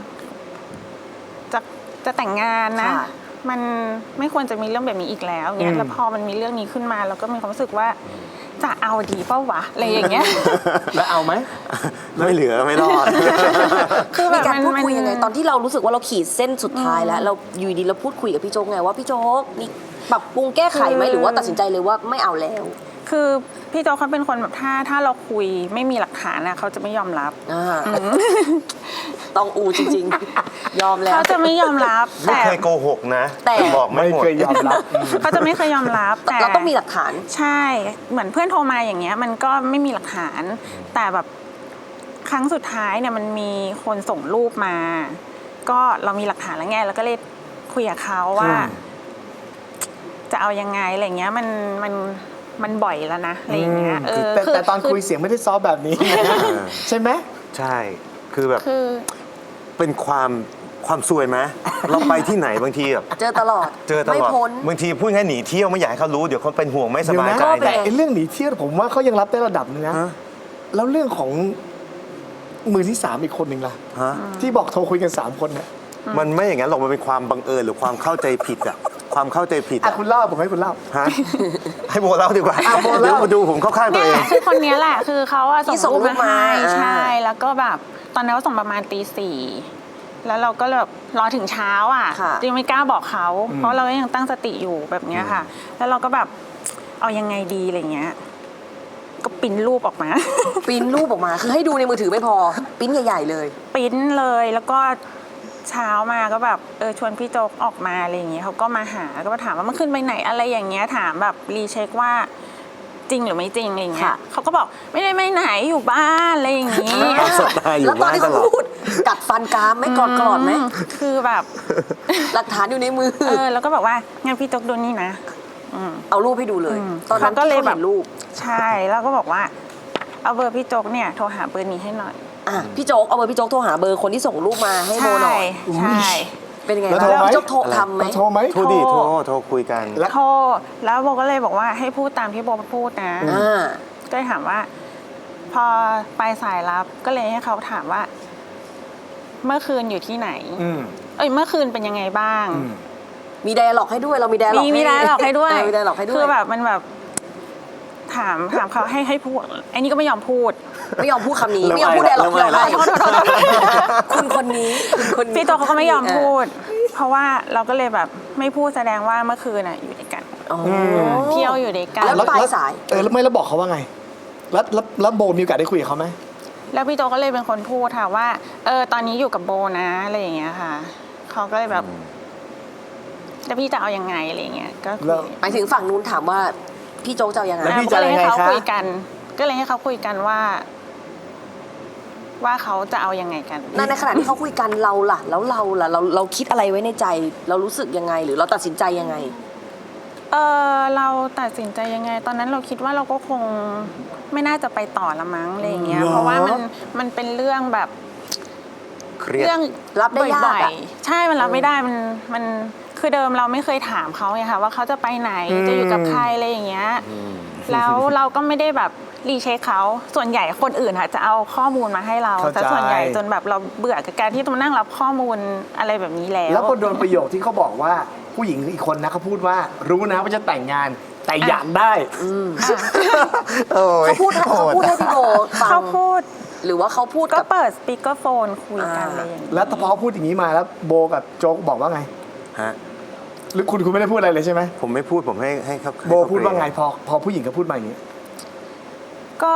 E: จะแต่งงานนะ
B: ค่ะ
E: มันไม่ควรจะมีเรื่องแบบนี้อีกแล้วเนี้ยแล้วพอมันมีเรื่องนี้ขึ้นมาเราก็มีความรู้สึกว่า จะเอาดีเปล่าวะอะไรอย่างเงี้ย
C: แล้วเอาไหม
D: ไม่เหลือไม่รอด
E: คือแบ
B: มี
E: บ
B: การพูดคุยยังไง ตอน
E: น
B: ที่เรารู้สึกว่าเราขีดเส้นสุดท้ายแล้วเราอยู่ดีเราพูดคุยกับพี่โจ๊กไงว่าพี่โจ๊กนี่ปรับปรุงแก้ไขไหมหรือว่าตัดสินใจเลยว่าไม่เอาแล้ว
E: คือพี่โจ๊กเขาเป็นคนแบบถ้าเราคุยไม่มีหลักฐานนะเขาจะไม่ยอมรับ
B: ต้องอูจริงๆ ยอมแล้ว
E: เขาจะไม่ยอมรับ
D: ไม่
E: แต่
D: เคยโกหกนะ
B: แต่
D: บอกไม่หมด
C: เคยยอมรับ
E: เขาจะไม่เคยยอมรับแต่
B: เราต้องมีหลักฐาน
E: ใช่ เหมือนเพื่อนโทรมาอย่างเงี้ย มันก็ไม่มีหลักฐาน แต่แบบครั้งสุดท้ายเนี่ยมันมีคนส่งรูปมา ก็เรามีหลักฐานแล้วไงแล้วก็เลยคุยกับเขาว่า จะเอายังไงอะไรเงี้ยมันบ่อยแล้วนะอะไรอย่างเงี้ยเออ
C: แต่ตอนคุยเสียงไม่ได้ซอฟต์แบบนี้ ใช่ไหม
D: ใช่ คือแบบ
E: คือ
D: เป็นความซวยไหมเราไปที่ไหนบางทีแบบ
B: เจอตลอด
D: เจอต
B: ไม่
D: ลอด
B: พ้น
D: บางทีพูดง่ายหนีเที่ยวไม่อยากให้เขารู้เดี๋ยวเขาเป็นห่วงไม่ส
C: เดี๋ยว
D: บาย
C: นะ
D: ใจ
B: ก็เป็น
C: แต่
B: ไง
C: ไอ้เรื่องหนีเที่ยวผมว่าเขายังรับได้ระดับนึงนะ
D: ฮะ
C: แล้วเรื่องของมือที่ 3 อีกคนหนึ่งล่ะ
D: ฮะ
C: ที่บอกโทรคุยกัน 3 คนเนี่ย
D: มันไม่อย่างนั้นหรอกมันเป็นความบังเอิญหรือความเข้าใจผิดอะความเข้าใจผิด
C: อ่ะ
D: อะ
C: คุณเล่าผมให้คุณเล่า
D: ฮะให้โบเล่าดีกว่า
C: อ่ะโบเล่า
D: เดี๋ยวมาดูผมเข้าข้างตัว
E: เนี่
D: เอย ง
E: คือคนเนี้ยแหละคือเขาอะ
B: ที่
E: ส่งรูป
B: ส่งรูป
E: มา
B: มา
E: ให้
B: อ่า
E: ใช่แล้วก็แบบตอนนั้นเขาส่งประมาณตี 4แล้วเราก็แบบรอถึงเช้าอ่ะ
B: ค่ะ
E: จริงไม่กล้าบอกเขาเพราะเราก็ยังตั้งสติอยู่แบบเนี้ยค่ะ แล้วเราก็แบบเอายังไงดีอะไรเงี้ยก็ปริ้นรูปออกมา
B: ปริ้นรูปออกมาคือให้ดูในมือถือไม่พอปริ้นใหญ่ๆเลย
E: ปริ้นเลยแล้วก็เช้ามาก็แบบชวนพี่โจ๊กออกมาอะไรอย่างเงี้ยเขาก็มาหาก็มาถามว่าเมื่อคืนไปไหนอะไรอย่างเงี้ยถามแบบรีเช็คว่าจริงหรือไม่จริงอะไรอย่างเงี้ย
B: ค่ะ
E: เขาก็บอกไม่ได้ไม่ไหนอยู่บ้านอะไรอย่างงี้
D: สไตล์อยู่
B: แล้วตอนที่เขา
D: บ้านตลอด
B: พูดกัดฟันกรามไหม่กรอดไหม
E: คือแบบ
B: หลักฐานอยู่ในมือ
E: แล้วก็บอกว่างั้นพี่โจ๊กดูนี่นะ
B: เอารูปให้ดูเลย ตอนนั้น
E: เขาก็เลย
B: ที่ขา
E: แบบ
B: เห็นรูป
E: ใช่แล้วก็บอกว่า เอาเบอร์พี่โจ๊กเนี่ยโทรหาเบอร์นี้ให้หน่อย
B: อ่ะพี่โจ๊กเอาเบอร์พี่โจ๊กโทรหาเบอร์คนที่ส่งรูปมาให้โบหน่อย
E: ใช่
B: เป็นยังไง
C: แล้ว
B: บ้าง
C: โทรไหม
B: พี่โจ๊กโทรทำไหม
C: โทรไหม
D: โทรดิโทรคุยกัน
C: แล้ว
E: โทรแล้วโบก็เลยบอกว่าให้พูดตามที่โบพูดนะ
B: อ่า
E: ก็เลยถามว่า พอปลายสายรับก็เลยให้เขาถามว่า เมื่อคืนอยู่ที่ไหน
C: อืม
E: เมื่อคืนเป็นยังไงบ้าง
B: มีไดอะล็อกให้ด้วยเรามีไดอะล็อก
E: มีไดอะล็อกให้ด้วย
B: มีไดอะล็อกให้ด้วย
E: คือแบบมันแบบถามเขาให้พูดไอ้นี่ก็ไม่ยอมพูด
B: ไม่ยอมพูดคำนี้
D: เริ่ม
B: ไม่ยอมพูดไดอะล็อก
D: เริ่ม
B: ที่เรา
D: ไล่
B: ให้
D: แล้ว
B: คุณคนนี้คุณคนนี้
E: พี่โตเขาก็ไม่ยอมพูด เพราะว่าเราก็เลยแบบไม่พูดแสดงว่าเมื่อคืนน่ะอยู่ด้วยกัน
B: อ๋อ
E: เที่ยวอยู่ด้วยกัน
B: แล้วปลายสาย
C: แล้วไม่แล้วบอกเขาว่าไง แล้วโบมีโอกาสได้คุยกับเขาไหม
E: แล้วพี่โตก็เลยเป็นคนพูดค่ะว่าตอนนี้อยู่กับโบนะอะไรอย่างเงี้ยค่ะเขาก็เลยแบบแล้วพี่จะเอายังไงอะไรอย่างเงี้ยก็คุ
C: แล้ว
E: ย
B: หมายถึงฝั่งนู้นถามว่าพี่โจ๊กจะเอายังไง
C: แล้วพี่
E: ก็เลยให้เขา
C: จะเอายังไงคะ
E: คุยกัน ก็เลยให้เขาคุยกันว่าเขาจะเอายังไงกัน
B: ในขณะที่เขาคุยกันเราล่ะ แล้วเราล่ะเราคิดอะไรไว้ในใจ เรารู้สึกยังไง หรือเราตัดสินใจยังไง
E: เราตัดสินใจยังไง ตอนนั้นเราคิดว่าเราก็คงไม่น่าจะไปต่อละมั้งอะไรอย่างเงี้ย
C: เหรอ
E: เพราะว่ามันเป็นเรื่องแบบ
D: เครียด
E: เรื่อง
B: รับได้ยากอะ
E: บ่อยๆใช่มันรับไม่ได้มันคือเดิมเราไม่เคยถามเขาไงค่ะว่าเขาจะไปไหนจะอยู่กับใครอะไรอย่างเงี้ยแล้วเราก็ไม่ได้แบบรีเช็คเขาส่วนใหญ่คนอื่นค่ะจะเอาข้อมูลมาให้เรา
C: เข้าใจ
E: แต่ส่วนใหญ่จนแบบเราเบื่อกับการที่ต้องนั่งรับข้อมูลอะไรแบบนี้แล้ว
C: แล้วพอโดนประโยคที่เขาบอกว่าผู้หญิงอีกคนนะเขาพูดว่ารู้นะว่าจะแต่งงานแต่อยากได้โอ้ย
B: เขาพูดให้พี่โบฟั
E: เขา
B: ง
E: พูด
B: หรือว่าเขาพูด
E: ก็
B: กับ
E: เปิดสปีกเกอร์โฟนคุยกันอะไรอย่างเงี้ย
C: แล้วพอเขาพูดอย่างนี้มาแล้วโบกับโจ๊กบอกว่าไง
D: ฮะ
C: หรือคุณไม่ได้พูดอะไรเลยใช่ไหม
D: ผมไม่พูดผมให้เขา
C: โบพูดว่าไงพอผู้หญิงเขาพูดมาอย่างนี้
E: ก็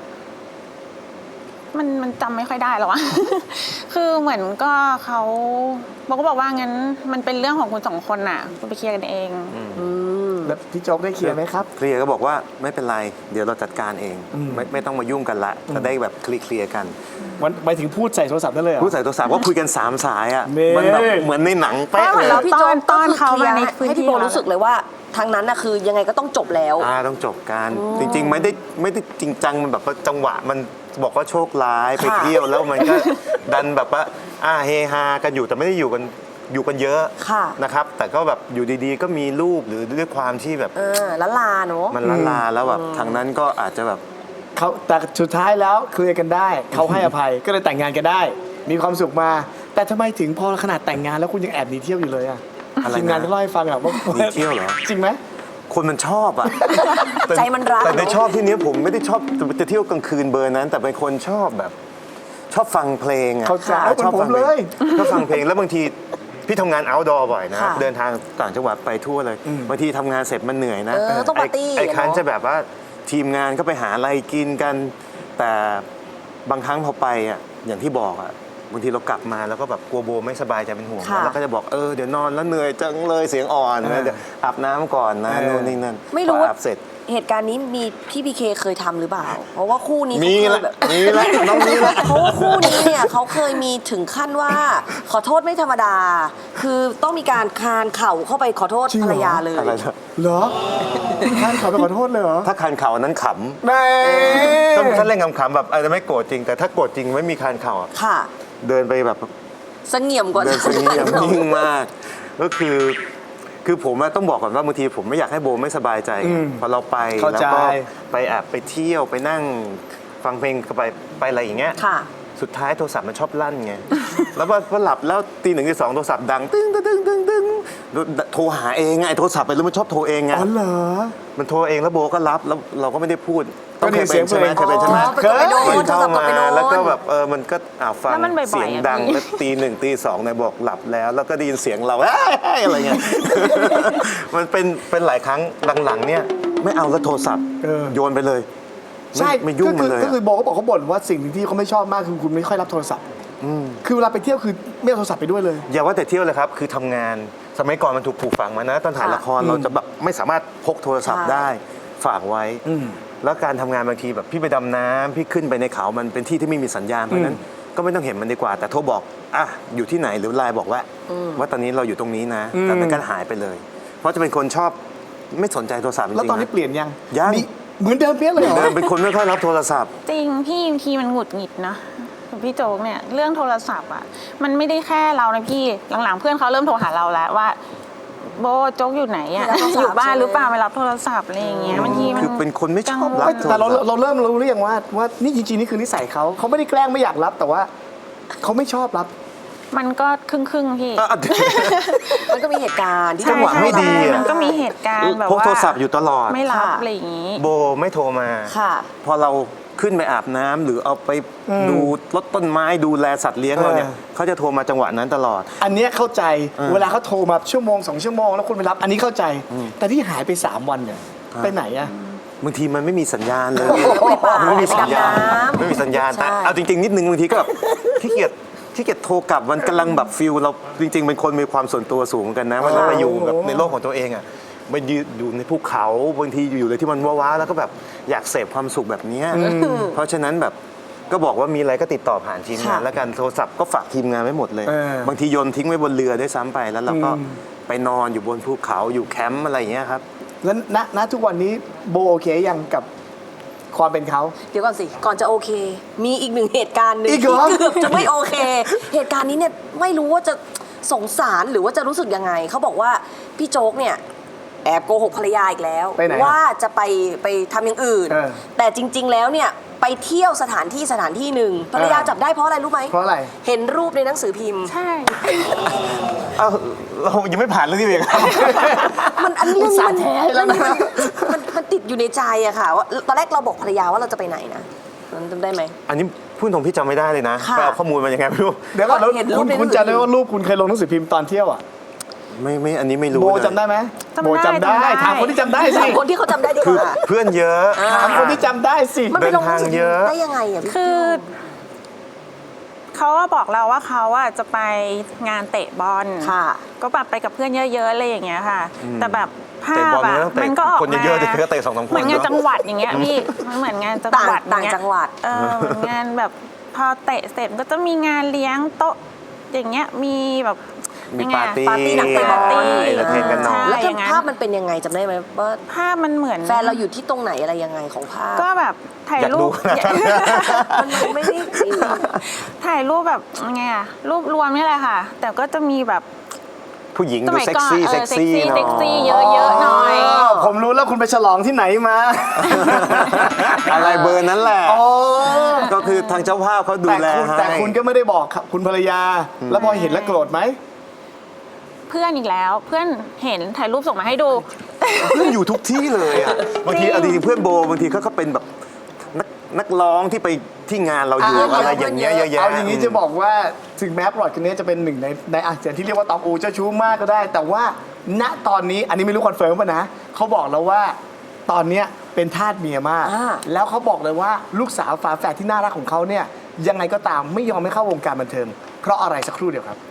E: มันจำไม่ค่อยได้หรอวะ คือเหมือนก็เขาบอกก็บอกว่างั้นมันเป็นเรื่องของคุณสองคนน่ะคุณไปเคลียร์กันเอง
C: แล้วพี่โจ๊กได้เคลียร์ไหมครับ
D: เคลียร์ก็บอกว่าไม่เป็นไรเดี๋ยวเราจัดการเอง
C: อืม
D: ไม่ต้องมายุ่งกันละจะได้แบบเคลียร์กัน
C: วันไปถึงพูดใส่โทรศัพท์ได้เลยเหรอ
D: ผู้ใส่โทรศัพท์ก็คุยกัน3 สายอ่ะ
C: นี่
D: มันแบบเหมือนในหนังเป๊ะ
E: เหมื
D: เล
E: อน
D: ย
E: เรา
B: พี่โจ๊ก
E: ต้
B: ก็
E: อน
B: คือ
E: เขา
B: เคลีย
E: มา
B: ร์
E: ในพื้น
B: ให้
E: ที่
B: พี่โบรู้สึกเลยว่าทางนั้นน่ะคือยังไงก็ต้องจบแล้ว
D: ต้องจบกันจริง ๆ ไม่ได้จริงจังมันแบบว่าจังหวะมันบอกว่าโชคร้ายไปเที่ยวแล้วมันก็ ดันแบบว่าเฮฮากันอยู่แต่ไม่ได้อยู่กันเยอะ
B: ค่ะ
D: นะครับแต่ก็แบบอยู่ดีๆ ก็มีรูปหรือด้วยความที่แบบ
B: ละลาเนอะ
D: มันละลาแล้วแบบทางนั้นก็อาจจะแบบ
C: เขาแต่สุดท้ายแล้วเคลียร์กันได้เขาให้อภัยก็เลยแต่งงานกันได้ มีความสุขมา แต่ทำไมถึงพอขนาดแต่งงานแล้วคุณยังแอบหนีเที่ยวอยู่เลยอะ
D: อะไรนะ
C: ทีมงานก็เล่าให้ฟังอะว่า
D: หนีเที่ยวเหรอ
C: จริงไหม
D: คนมันชอบอ่ะ
B: ใจมันรัก
D: แต่ใน
B: เนอะ
D: ชอบที่นี้ผมไม่ได้ชอบจะเที่ยวกลางคืนเบอร์นั้น แต่เป็นคนชอบแบบ ชอบฟังเพลงอ่ะ
C: เข้าใจ
D: ชอบ
C: เหมือนผม
D: ฟัเพลง
C: เลย
D: ชอบฟังเพลงแล้วบางทีพี่ทำงาน outdoor บ่อยนะ
B: ค่ะ
D: เดินทางต่างจังหวัดไปทั่วเลยบางทีทำงานเสร็จมันเหนื่อยนะ
B: ต้องปาร์ตี้
D: ไอ้คัน
B: เนอะ
D: จะแบบว่าทีมงานก็ไปหาอะไรกินกัน แต่บางครั้งพอไปอ่ะอย่างที่บอกอ่ะบางทีเรากลับมาแล้วก็แบบกลัวโบไม่สบายใจเป็นห่วง
B: ค่ะ
D: แล้วก็จะบอกเดี๋ยวนอนแล้วเหนื่อยจังเลยเสียงอ่อนนะเดี๋ยวอาบน้ำก่อนนะนู่นนี่นั่น
B: ไม่รู้
D: พอ
B: ว่า
D: อาบเสร็จ
B: เหตุการณ์นี้มีพี่พีเคเคยทำหรือเปล่า เพราะว่าคู่นี้
D: มี
B: เขาเค
D: ละ
B: ยแบบ
D: มีละน้องมีละ
B: เพราะว่าคู่นี้เนี่ยเขาเคยมีถึงขั้นว่า ขอโทษไม่ธรรมดา คือต้องมีการคานเข่าเข้าไปขอโทษ
C: จริง
B: ภ
C: เห
B: ร
C: รอ
B: รยาเลย
D: อะไรนะ
C: เหรอท่านขอไปขอโทษเลยเหรอ
D: ถ้าคันเข่าอันนั้นข
C: แม่
D: ำถ้าเล่นขำๆแบบอาจจะไม่โกรธจริง แต่ถ้าโกรธจริงไม่มีคันเข่าอะ
B: ค่ะ
D: เดินไปแบบ
B: เสงี่ยมกว่า
D: เดินสงี่ยมนิ่งมาก ก็คือผมอะต้องบอกก่อนว่าบางทีผมไม่อยากให้โบไม่สบายใจไงพอเราไป
C: เข้า
D: แล้ว
C: ใจ
D: ก็ไปแอบไปเที่ยวไปนั่งฟังเพลงไปอะไรอย่างเงี้ย
B: ค่ะ
D: สุดท้ายโทรศัพท์มันชอบลั่นไง แล้วพอหลับแล้วตี 1 ตี 2โทรศัพท์ดังตึ้งตึ้งตึ้งตึ้งตึ้งโทรหาเองไงไอ้โทรศัพท์ไปรู้มันชอบโทรเองไง
C: อ๋อเหรอ
D: มันโทรเองแล้วโบก็รับแล้วเราก็ไม่ได้พูด
C: ก็ได้
D: เคยเป็นใช่ไหม
C: เสียง
D: เคยเป็นใช่ไหม
B: อ๋อไปกดไปโดน
D: มันเข้า
B: โทรศัพท์กด
D: มา
B: ไปโดน
D: แล้วก็แบบมันก็ฟัง
E: แล้วมันบ่อยๆ
D: เสียงดัง
E: อะพี่
D: แล้วตี 1 ตี 2เนี่ยบอกหลับแล้ว แล้วก็ได้ยินเสียงเราเอ้ยอะไรเงี้ย มันเป็นหลายครั้งหลังๆเนี่ยไม่เอาแล้วโทรศัพท์ โยนไปเลย
C: ใช่
D: ไม่ยุ่งมันเลย
C: ก็คือโบก็บอกเขาบ่นว่าสิ่งหนึ่งที่เขาไม่ชอบมากคือคุณไม่ค่อยรับโทรศัพท์คือเวลาไปเที่ยวคือไม่เอาโทรศัพท์ไปด้วยเลย
D: อย่าว่าแต่เที่ยวเลยครับ คือทำงานสมัยก่อนมันถูกปลูกฝังมานะตอนถ่ายละครเราจะแบบไม่สามารถพกโทรศัพท์
B: ใช่
D: ได้ฝากไว้ แล้วการทำงานบางทีแบบพี่ไปดำน้ำพี่ขึ้นไปในเขามันเป็นที่ที่ไม่มีสัญญาณเพราะฉะนั้นก็ไม่ต้องเห็นมันดีกว่า แต่โทรบอกอยู่ที่ไหนหรือไลน์บอกว่าตอนนี้เราอยู่ตรงนี้นะแต่มันก็หายไปเลย เพราะจะเป็นคนชอบไม่สนใจโทรศัพท์จริงๆ
C: แล้วตอนนี้
D: ะ
C: เปลี่ยนยัง
D: ยัง
C: มีเหมือนเดิมเปี้ยเลยเหรอ
D: เดิมเป็นคนไม่ค่อยรับโทรศัพท์
E: จริงพี่บางทีมันหงุดหงิดนะพี่โจ๊กเนี่ยเรื่องโทรศัพท์อ่ะมันไม่ได้แค่เรานะพี่หลังๆเพื่อนเขาเริ่มโทรหาเราแล้วว่าโบโจ๊กอยู่ไหนอ่ะ
B: ไม่รับโทรศัพท์
E: อยู่บ้านหรือเปล่า
B: ใช่ไหม
E: ไม่รับโทรศัพท์อะไรอย่างเงี้ยบางทีมัน
D: คือเป็นคนไม่ชอบรับ
C: ไม่
D: โทร
C: แต่เรา
D: ศัพท์
C: เราเริ่มรู้หรือยังว่านี่จริงๆนี่คือนิสัยเขาไม่ได้แกล้งไม่อยากรับแต่ว่าเขาไม่ชอบรับ
E: มันก็ครึ่งๆพี่
B: มันก็มีเหตุการณ์ที่
D: จังหวะไม่ดีอะ
E: มันก็มีเหตุการณ์แบบ
D: พก
E: ว่า
D: โทรศัพท์อยู่ตลอด
E: ไม่รับ
B: ค่ะ
E: อะไรอย่างงี้
D: โบไม่โทรมา
B: ค่ะ
D: พอเราขึ้นไปอาบน้ำหรือเอาไปดูรถต้นไม้ดูแลสัตว์เลี้ยงเราเนี่ยเขาจะโทรมาจังหวะนั้นตลอด
C: อันเนี้ยเข้าใจเวลาเขาโทรมาชั่วโมง2 ชั่วโมงแล้วคุณไปรับ อันนี้เข้าใจ แต่ที่หายไป 3 วันเนี่ยไปไหนอะ
D: บางทีมันไม่มีสัญญาณเลย
B: ไปป่า
D: ไม่มีสัญญาณ
B: ไปดำน้ำ
D: ไม่มีสัญญาณ
B: ใช่
D: แต่เอาจริง ๆ นิดนึงบางทีก็แบบขี้เกียจโทรกลับมันกำลังแบบฟิลเราจริง ๆ เป็นคนมีความส่วนตัวสูงเหมือนกันนะมันไปอยู่แบบในโลกของตัวเองอ่ะไปยืนอยู่ในภูเขาบางทีอยู่เลยที่มันว้าๆแล้วก็แบบอยากเสพความสุขแบบเนี้ยเพราะฉะนั้นแบบก็บอกว่ามีอะไรก็ติดต่อผ่านทีมงาน
B: ค่ะ
D: แล้วกันโทรศัพท์ก็ฝากทีมงานไว้หมดเลย
C: เออ
D: บางทีโยนทิ้งไว้บนเรือด้วยซ้ำไปแล้วเราก็ไปนอนอยู่บนภูเขาอยู่แคมป์อะไรอย่างเงี้ยครับ
C: แล้วณทุกวันนี้โบโอเคยังกับความเป็นเขา
B: เดี๋ยวก่อนสิ ก่อนจะโอเค มีอีกหนึ่งเหตุการณ์หนึ่ง
C: อีกเหร
B: ที่
C: อ
B: เกือบจะไม่โอเค เหตุการณ์นี้เนี่ยไม่รู้ว่าจะสงสารหรือว่าจะรู้สึกยังไงเขาบอกว่าพี่โจ๊กเนี่ยแอบโกหกภรรยาอีกแล้ว
C: ไปไหน
B: ว่าจะไปทำอย่างอื่น
C: เออ
B: แต่จริง ๆ แล้วเนี่ยไปเที่ยวสถานที่หนึ่งภรรยาจับได้เพราะอะไรรู้ไหม
C: เพราะอะไร
B: เห็นรูปในหนังสือพิมพ์
E: ใช่
D: เอ้าเรายังไม่ผ่านเรื่องนี้เลยครับ
B: มันอันนี้
C: อุตส่าห์แท้แล้วนะ
B: มันติดอยู่ในใจอะค่ะว่าตอนแรกเราบอกภรรยาว่าเราจะไปไหนนะมันจำได้ไหม
D: อันนี้พูดตรงพี่จำไม่ได้เลยนะ
B: ค่ะ
D: ไปเอาข้อมูลมายังไงไม่รู้
C: เดี๋ยวก่อนแล้ว
B: เห็นรูปในหนังสือ
C: คุณจำได้ว่ารูปคุณเคยลงหนังสือพิมพ์ตอนเที่ยวอ่ะ
D: ไม่อันนี้ไม่รู้
C: โบ
D: เลย
C: จำได้ไหม
E: จำได้
C: โบจำได้
E: จำได้
C: ถามคนที่จำได้สิ
B: ถามคนที่เขาจำได้ดีก
D: คือ
B: ว่า
D: เพื่อนเยอะ
C: ถามคนที่จำได้สิ
B: มันไปลงหนังสือ
D: เดินทางเยอะ
B: ได้ยังไงอะพี่
E: คือเขาอะบอกเราว่าเขาอะจะไปงานเตะบอล
B: ค่ะ
E: ก็แบบไปกับเพื่อนเยอะๆอะไรอย่างเงี้ยค่ะ แต่แบบภา
D: เตะ
E: พ
D: บอล
E: อะ
D: มันต้องเตะ
E: มันก็ออก
D: คน
E: มา
D: เยอะๆแต่ก็เตะ2-3คน
E: เหมือนงาน
D: เนอะ
E: จังหวัดอย่างเงี้ยพี่มันเหมือนงานจังหวัด
B: ต่างจังหวัด
E: เหมือนงานแบบพอเตะเสร็จก็จะมีงานเลี้ยงโต๊ะอย่างเงี้ยมีแบบ
D: มี
E: ยังไง
D: ปาร์ตี้
B: ปาร์ตี้หนังเตะบอล
D: เอนเตอร์เทนกันหน่อย
E: ใช่
B: แล้ว
E: อย่างนั้น
B: ภาพมันเป็นยังไงจำได้ไหมว่า
E: ภาพมันเหมือน
B: แฟนเราอยู่ที่ตรงไหนอะไรยังไงของภาพ
E: ก็แบบถ่าย
D: อยาก
E: รู
D: ดู
E: ป
B: มันไม่ได้
E: ถ่ายรูปแบบไงอะรูปรวมนี่แหละค่ะ แต่ก็จะมีแบบ
D: ผู้หญิง
E: ส
D: ดู
E: มัย
D: เซ็ก
E: ก่อน
D: ซี่เซ็กซี่หน่
E: เซ็กซี่
D: อย
E: เยอะๆหน่อย
C: ผมรู้แล้วคุณไปฉลองที่ไหนมา
D: อะไรเบอร์นั้นแหละ
C: อ๋อ
D: ก็คือทางเจ้าภาพเขาดูแลให้
C: แต่คุณก็ไม่ได้บอกคุณภรรยา แล้วพอเห็นแล้วโกรธไหม
E: เพื่อนอีกแล้วเพื่อนเห็นถ่ายรูปส่งมาให้ดู
D: เพื่อนอยู่ทุกที่เลยอ่ะบางทีเอาจริงๆเพื่อนโบบางทีเขาก็เป็นแบบนักร้องที่ไปที่งานเราอยู่ อะไรอย่างเงี้ยเยอะแยะ
C: เอาอย่างนี้จะบอกว่าถึงแม้ปลอดคนนี้จะเป็นหนึ่งในอาเซียนที่เรียกว่าตองอูเจ้าชู้มากก็ได้ แต่ว่าณตอนนี้อันนี้ไม่รู้คอนเฟิร์มป่ะนะเขาบอกแล้วว่าตอนเนี้ยเป็นทาสเมียมาก
B: อ่า
C: แล้วเขาบอกเลยว่าลูกสาวฝาแฝดที่น่ารักของเขาเนี่ยยังไงก็ตามไม่ยอมให้เข้าวงการบันเทิงเพราะอะไรสักครู่เดียวครับ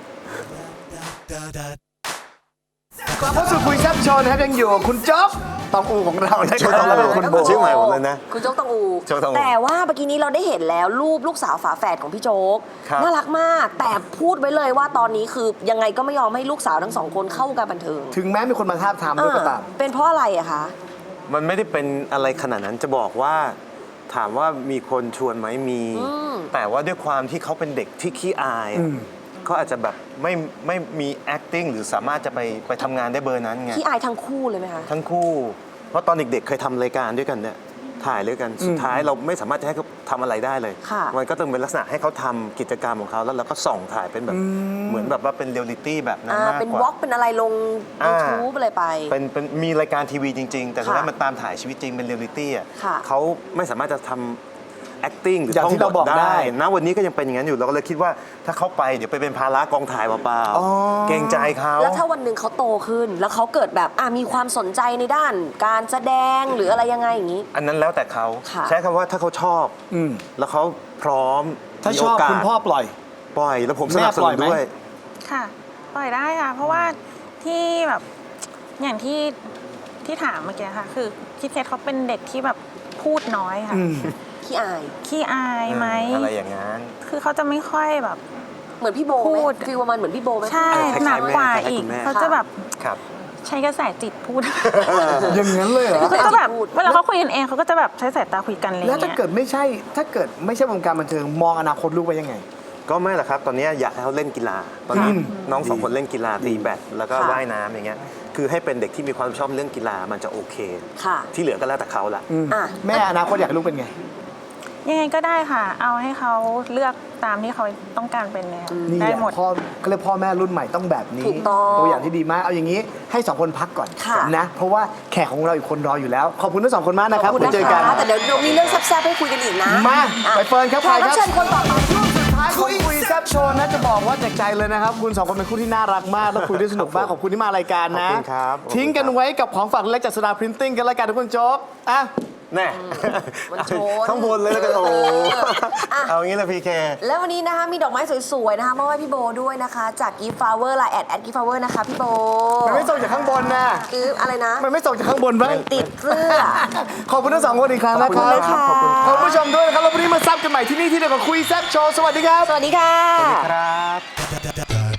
C: กลับเข้าสู่คุยแซ่บโชว์นะครับยังอยู่กับคุณจ๊อบตองอูของเรานะค
D: ชื่อตองอู
C: รับคุณโบ
D: ชื่อใหม่หมดเลยนะ
B: คุณโจ๊กตองอู
D: โจ๊กตองอู
B: แต่ว่าเมื่อกี้นี้เราได้เห็นแล้วรูปลูกสาวฝาแฝดของพี่โจ๊ก
D: ครับ
B: น่ารักมาก แต่พูดไว้เลยว่าตอนนี้คือยังไงก็ไม่ยอมให้ลูกสาวทั้งสองคนเข้าวงการบันเทิง
C: ถึงแม้มีคนมาทาบทามด้วยก็ตาม
B: เป็นเพราะอะไรอะคะ
D: มันไม่ได้เป็นอะไรขนาดนั้นจะบอกว่าถามว่ามีคนชวนไหมมี แต่ว่าด้วยความที่เขาเป็นเด็กที่ขี้อายอะเขาอาจจะแบบไม่มี acting หรือสามารถจะไปทำงานได้เบอร์นั้นไง
B: ที่อายทั้งคู่เลยไหมคะ
D: ทั้งคู่ เพราะตอนเด็กๆเคยทำรายการด้วยกันเนี่ยถ่ายด้วยกันสุดท้ายเราไม่สามารถจะให้เขาทำอะไรได้เลย
B: ค่ะ
D: มันก็ต้องเป็นลักษณะให้เขาทำกิจกรรมของเขาแล้วเราก็ส่องถ่ายเป็นแบบเหมือนแบบว่าเป็นเรียลลิตี้แบบนั้นมาก
B: เป็น
D: ก
B: วอ
D: ว่า
B: ล์กเป็นอะไรลง YouTube อะไรไป
D: เป็นมีรายการทีวีจริง ๆ แต่สุดท้าย
B: ค่ะ
D: มันตามถ่ายชีวิตจริงเป็นเรียลลิตี้อ่ะ
B: ค่ะ
D: เขาไม่สามารถจะทำ acting หรือ
C: อย่าง
D: ท่อง
C: ที่
D: บ
C: เรา
D: ท
C: บอกได้
D: ได้นะวันนี้ก็ยังเป็นอย่างนั้นอยู่เราก็เลยคิดว่าถ้าเขาไปเดี๋ยวไปเป็นภาระกองถ่ายเปล่าๆเกรงใจเขา
B: แล้วถ้าวันหนึ่งเขาโตขึ้น แล้วเขาเกิดแบบมีความสนใจในด้าน การแสดงหรืออะไรยังไงอย่างนี้
D: อันนั้นแล้วแต่เขา
B: ค่ะ
D: ใช้คำว่าถ้าเขาชอบ
C: อืม
D: แล้วเขาพร้อม
C: ถ้า
D: มี
C: ชอบ
D: โกส
C: คุณพ่อปล่อย
D: ปล่อยแล้วผมสนับส
C: แม่ปล่
D: นุ
C: อย
D: น
C: ไหม
D: ด้วย
E: ค่ะปล่อยได้ค่ะ เพราะว่าที่แบบอย่างที่ถามเมื่อกี้ค่ะ คือคิดเคสเขาเป็นเด็กที่แบบพูดน้อยค่ะ
B: ขี้อาย
E: ขี้อายไหม
D: อะไรอย่างนั้น
E: คือเขาจะไม่ค่อยแบบ
B: เหมือนพี่โบไหม
E: พูด
B: ฟีลประมาณเหมือนพี่โบไหม
E: ใช่
D: คล้ายๆ
E: หนักกว่า
D: แม่คล้ายๆ
E: อี
D: คุ
E: ก
D: ณแม่
E: เขาจะแบบ
D: ครับ
E: ใช้กระแสจิตพูด
C: อย่างนั้นเลยเหรอ
E: เขาจะแบบเวลาเขาคุยกันเองเขาก็จะแบบใช้สายตาคุยกันอะไรอย่าง
C: แล้วถ้า
E: เงี้ย
C: เกิดไม่ใช่วงการบันเทิงมองอนาคตลูกไว้ยังไง
D: ก็ไม่หรอกครับ ตอนนี้อยากให้เขาเล่นกีฬา ตอนนี้น้องสองคนเล่นกีฬาตีแบดแล้วก็
B: ค่ะ
D: ว่ายน้ำอย่างเงี้ย คือให้เป็นเด็กที่มีความชอบเรื่องกีฬามันจะโอเค
B: ค่ะ
D: ที่เหลือก็แล้วแต่เขาละ
B: อ่ะ
C: แม่อนาคตอยากให้ลูกเป็นไง
E: ยังไงก็ได้ค่ะ เอาให้เขาเลือกตามที่เขาต้องการเป็นเลยค่ะ
C: นี่
E: ได้
C: แหละ
E: หมด
C: พ่อก็เลยพ่อแม่รุ่นใหม่ต้องแบบนี้
B: ถูกต้อง
C: ตัวอย่างที่ดีมาก เอาอย่างนี้ให้สองคนพักก่อน
B: ค่ะ
C: นะ เพราะว่าแขกของเราอีกคนรออยู่แล้ว ขอบคุณทั้งสองคนมากนะครับ
B: ขอบคุณ
C: ไว้
B: นะ
C: เจอกัน
B: คะแต่เดี๋ยวมีเรื่องแซ่บๆให้คุยกันอีกนะ
C: มา
B: อ่ะ
C: ไปเฟิร์นครับ
B: แขกรับ
C: ใครครับ
B: เชิญคนต่อไป
C: ท้ายของคุยแซ่บโชว์นะจะบอกว่าจากใจเลยนะครับ คุณสองคนเป็นคู่ที่น่ารักมาก แล้วคุยได้สนุกมากขอบคุณที่มารายการนะ
D: ขอบคุณครับ
C: ทิ้งกันไว้กับของฝากเล็กจากสดาพรินติ้งกันแล้วกันทุกคนโจ๊กอ่ะ
D: แน่
B: มันโชน
D: ข้างบนเลยแล้วกันโอ้โห
B: อ่ะ
D: เอางี้เลยพีเค
B: แล้ววันนี้นะคะมีดอกไม้สวยๆนะคะมอบให้พี่โบด้วยนะคะ จาก Gift Flower ไลน์แอด Gift Flower นะคะพี่โบ
C: มันไม่ส่งจากข้างบนนะ
B: คืออะไรนะ
C: มันไม่ส่งจากข้างบนบ้าง
B: ติดเสื้อ
C: ขอบคุณทั้งสองคนอีกครั้งนะค
B: ขอบ
C: รั
B: คุณนะคะ
C: ขอบคุณผู้ชมด้วยนะครับแล้ววันนี้มาซับกันใหม่ที่นี่ที่เดียวกับคุยแซ่บโชว์สวัสดีครับ
B: สวัสดีค่ะ
D: ครับ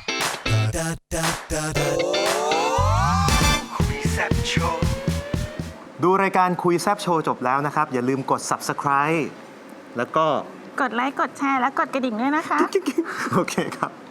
D: ดูรายการคุยแซบโชว์จบแล้วนะครับ อย่าลืมกด subscribe แล้วก็
E: กดไลค์กดแชร์และกดกระดิ่งด้วยนะคะ
D: โอเคครับ